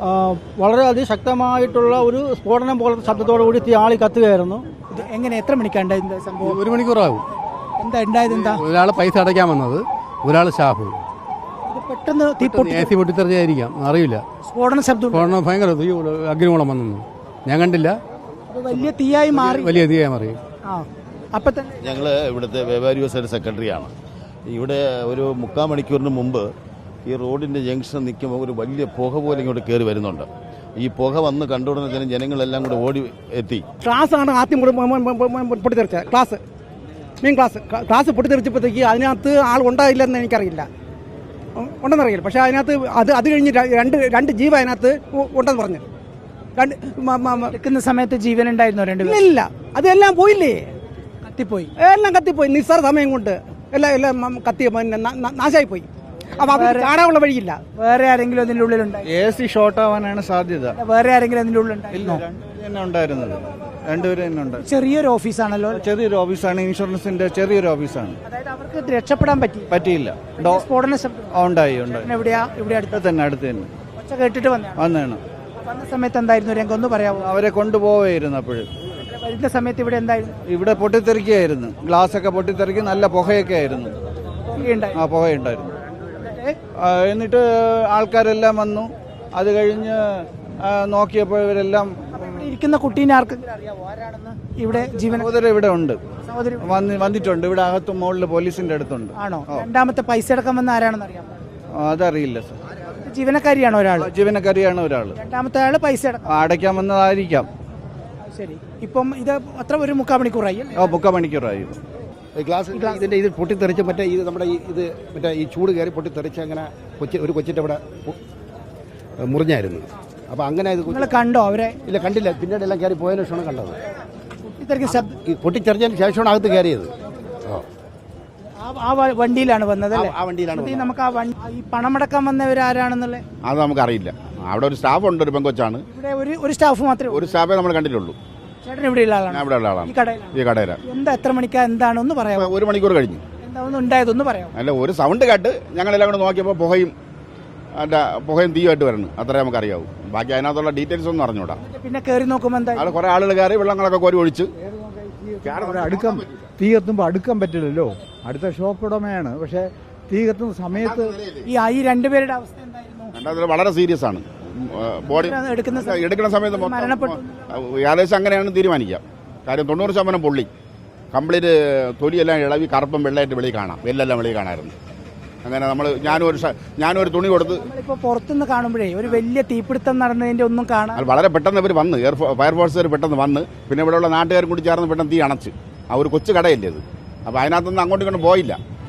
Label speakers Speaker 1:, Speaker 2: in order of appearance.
Speaker 1: വളരെ അതിശക്തമായിട്ടുള്ള ഒരു സ്ഫോടനം പോലത്തെ ശബ്ദത്തോടുകൂടി തീ ആളി കത്തുകയായിരുന്നു.
Speaker 2: എങ്ങനെ എത്ര മണിക്കാണ് സംഭവം?
Speaker 3: 1 മണിക്കൂറാകും.
Speaker 2: എന്താ ഉണ്ടായത്? എന്താ
Speaker 3: ഒരാൾ പൈസ അടയ്ക്കാൻ വന്നത്, ഒരാൾ സ്റ്റാഫ്.
Speaker 2: പെട്ടെന്ന്
Speaker 3: AC പൊട്ടിത്തെറിച്ചായിരിക്കാം, അറിയില്ല.
Speaker 2: സ്ഫോടന ശബ്ദം
Speaker 3: ഭയങ്കര തീ, അഗ്നികുളം വന്നു. ഞാൻ കണ്ടില്ല.
Speaker 2: വലിയ തീയായി മാറി.
Speaker 3: വലിയ തീയായി മാറി.
Speaker 2: അപ്പൊ തന്നെ
Speaker 4: ഞങ്ങൾ ഇവിടുത്തെ വ്യാപാരി വ്യവസായ സെക്രട്ടറിയാണ്. ഇവിടെ ഒരു 3/4 മണിക്കൂറിന് മുമ്പ് ഈ റോഡിൻ്റെ ജംഗ്ഷൻ നിൽക്കുമ്പോൾ ഒരു വലിയ പുക പോലെ ഇങ്ങോട്ട് കയറി വരുന്നുണ്ട്. ഈ പുക വന്ന് കണ്ടുടനെ തന്നെ ജനങ്ങളെല്ലാം കൂടെ ഓടി എത്തി.
Speaker 1: ക്ലാസ്സാണ് ആദ്യം പൊട്ടിത്തെറിച്ചത്. ക്ലാസ് പൊട്ടിത്തെറിച്ചപ്പോഴത്തേക്ക് അതിനകത്ത് ആൾ ഉണ്ടായില്ലെന്ന് എനിക്കറിയില്ല, ഉണ്ടെന്നറിയില്ല. പക്ഷേ അതിനകത്ത് അത് കഴിഞ്ഞ് രണ്ട് ജീവ അതിനകത്ത് ഉണ്ടെന്ന് പറഞ്ഞു.
Speaker 2: എടുക്കുന്ന സമയത്ത് ജീവൻ ഉണ്ടായിരുന്നോ?
Speaker 1: ഇല്ല, അതെല്ലാം പോയില്ലേ,
Speaker 2: കത്തിപ്പോയി.
Speaker 1: എല്ലാം കത്തിപ്പോയി. നിസ്സാര സമയം കൊണ്ട് എല്ലാം കത്തി നാശായിപ്പോയി. അപ്പൊ അത് ചാടാനുള്ള വഴിയില്ല.
Speaker 2: വേറെ ആരെങ്കിലും അതിന്റെ ഉള്ളിലുണ്ടായി?
Speaker 5: AC ഷോർട്ട് ആവാനാണ് സാധ്യത.
Speaker 2: വേറെ ആരെങ്കിലും അതിന്റെ ഉള്ളിലുണ്ടായി?
Speaker 5: തന്നെ ഉണ്ടായിരുന്നത്, രണ്ടുപേരും തന്നെ ഉണ്ട്.
Speaker 2: ചെറിയൊരു ഓഫീസാണല്ലോ.
Speaker 5: ചെറിയൊരു ഓഫീസാണ്, ഇൻഷുറൻസിന്റെ ചെറിയൊരു ഓഫീസാണ്.
Speaker 2: അതായത് അവർക്ക് രക്ഷപ്പെടാൻ
Speaker 5: പറ്റിയില്ല.
Speaker 2: സ്ഫോടന ശബ്ദം
Speaker 5: ഉണ്ടായി.
Speaker 2: എവിടെയാ? ഇവിടെ അടുത്ത്
Speaker 5: തന്നെ.
Speaker 2: ഒച്ച കേട്ടിട്ട് വന്നതാണ്. വന്ന സമയത്ത് എന്തായിരുന്നു രംഗം ഒന്ന് പറയാമോ?
Speaker 5: അവരെ കൊണ്ടുപോവായിരുന്നു. അപ്പോഴും
Speaker 2: വരുന്ന സമയത്ത് ഇവിടെ എന്തായിരുന്നു?
Speaker 5: ഇവിടെ പൊട്ടിത്തെറിക്കുകയായിരുന്നു. ഗ്ലാസ് ഒക്കെ പൊട്ടിത്തെറിക്കും, നല്ല പുകയൊക്കെ ആയിരുന്നു. പുകയുണ്ടായിരുന്നു. എന്നിട്ട് ആൾക്കാരെല്ലാം വന്നു. അത് കഴിഞ്ഞ് നോക്കിയപ്പോൾ ഇവരെല്ലാം
Speaker 2: ഇരിക്കുന്ന കുട്ടീനെ ആർക്കെങ്കിലും അറിയാമോ ആരാണെന്ന്? ഇവിടെ
Speaker 5: സഹോദരൻ ഇവിടെ ഉണ്ട്, വന്നിട്ടുണ്ട്. ഇവിടെ അകത്തും മുകളിൽ പോലീസിന്റെ അടുത്തുണ്ട്.
Speaker 2: ആണോ? രണ്ടാമത്തെ പൈസ അടക്കം വന്ന ആരാണെന്ന് അറിയാമോ?
Speaker 5: അതറിയില്ല സർ.
Speaker 2: ജീവനക്കാരിയാണോ ഒരാൾ?
Speaker 5: ജീവനക്കാരിയാണ് ഒരാൾ.
Speaker 2: രണ്ടാമത്തെ ആള് പൈസ
Speaker 5: അടയ്ക്കാൻ വന്നതായിരിക്കാം.
Speaker 2: ശരി. ഇപ്പം ഇത് അത്ര ഒരു 3/4 മണിക്കൂറായി?
Speaker 5: 3/4 മണിക്കൂറായി.
Speaker 6: ഇതിന്റെ ഇത് പൊട്ടിത്തെറിച്ച് മറ്റേ ഇത് നമ്മുടെ മറ്റേ ഈ ചൂട് കയറി പൊട്ടിത്തെറിച്ച് അങ്ങനെ ഒരു കൊച്ചിൻ്റെ അവിടെ മുറിഞ്ഞായിരുന്നു. അപ്പോൾ അങ്ങനെ ഇത്
Speaker 2: നിങ്ങൾ കണ്ടോ അവരെ?
Speaker 6: ഇല്ല, കണ്ടില്ല. പിന്നീട് എല്ലാം കയറി പോയതിനു ശേഷമാണ് കണ്ടത്.
Speaker 1: പൊട്ടിത്തെറിച്ചതിന് ശേഷമാണ് അകത്ത് കയറിയത്.
Speaker 2: ആ വണ്ടിയിലാണ് വന്നത് അല്ലേ?
Speaker 6: ആ വണ്ടിയിലാണ്.
Speaker 2: നമുക്ക് ഈ പണമടക്കാൻ വന്നവരാരാണെന്നുള്ളത്
Speaker 4: അത് നമുക്കറിയില്ല. അവിടെ ഒരു സ്റ്റാഫ് ഉണ്ട്, ഒരു പെങ്കൊച്ചാണ്.
Speaker 2: ഇവിടെ ഒരു സ്റ്റാഫ് മാത്രമേ?
Speaker 4: ഒരു സ്റ്റാഫേ നമ്മൾ കണ്ടിട്ടുള്ളൂ.
Speaker 2: ചേട്ടൻ ഇവിടെയുള്ള ആളാണ്?
Speaker 4: ഇവിടെ ഉള്ള ആളാണ്, ഈ കടയിലാണ്.
Speaker 2: എന്താ എത്ര മണിക്കാ എന്താണെന്ന് പറയാമോ?
Speaker 4: 1 മണിക്കൂർ കഴിഞ്ഞു.
Speaker 2: എന്താണെന്ന് ഉണ്ടായതൊന്ന് പറയാമോ?
Speaker 4: അല്ല, ഒരു സൗണ്ട് കേട്ട് ഞങ്ങളെല്ലാം കൂടെ നോക്കിയപ്പോൾ പുകയും തീയുമായിട്ട് വരുന്നു. അത്രേ നമുക്കറിയാവൂ. ബാക്കി അതിനകത്തുള്ള ഡീറ്റെയിൽസ് ഒന്നും അറിഞ്ഞൂടാ.
Speaker 2: പിന്നെ കയറി നോക്കുമ്പോൾ എന്താ?
Speaker 4: അവിടെ കുറെ ആളുകൾ കയറി വെള്ളങ്ങളൊക്കെ കോരി ഒഴിച്ച്.
Speaker 5: തീ കത്തുമ്പോൾ അടുക്കാൻ പറ്റില്ലല്ലോ. അടുത്ത ഷോപ്പ് ഉടമയാണ്. പക്ഷെ തീ കത്തുന്ന സമയത്ത്
Speaker 2: ഈ രണ്ടുപേരുടെ അവസ്ഥ എന്തായിരുന്നു?
Speaker 4: വളരെ സീരിയസ് ആണ്. ബോഡി എടുക്കുന്ന സമയത്ത് ഏകദേശം അങ്ങനെയാണ് തീരുമാനിക്കാം. കാര്യം 90% പൊള്ളി, കംപ്ലീറ്റ് തൊലിയെല്ലാം ഇളവി കറുപ്പും വെള്ളമായിട്ട് വെളിയിൽ കാണാം. വെല്ലെല്ലാം വെളിയിൽ കാണാമായിരുന്നു. അങ്ങനെ ഞാനൊരു തുണി കൊടുത്ത്
Speaker 2: ഇപ്പോൾ പുറത്തുനിന്ന് കാണുമ്പോഴേ ഒരു വലിയ തീപിടുത്തം നടന്നതിന്റെ ഒന്നും കാണാൻ
Speaker 4: വളരെ പെട്ടെന്ന് ഇവർ വന്ന് ഫയർഫോഴ്സുകാർ പെട്ടെന്ന് വന്ന്, പിന്നെ ഇവിടെയുള്ള നാട്ടുകാരും കൂടി ചേർന്ന് പെട്ടെന്ന് തീ അണച്ച്. ആ ഒരു കൊച്ചു കടയല്ലേ ഇത്. അപ്പോൾ അതിനകത്തൊന്നും അങ്ങോട്ടും ഇങ്ങോട്ടും പോയില്ല.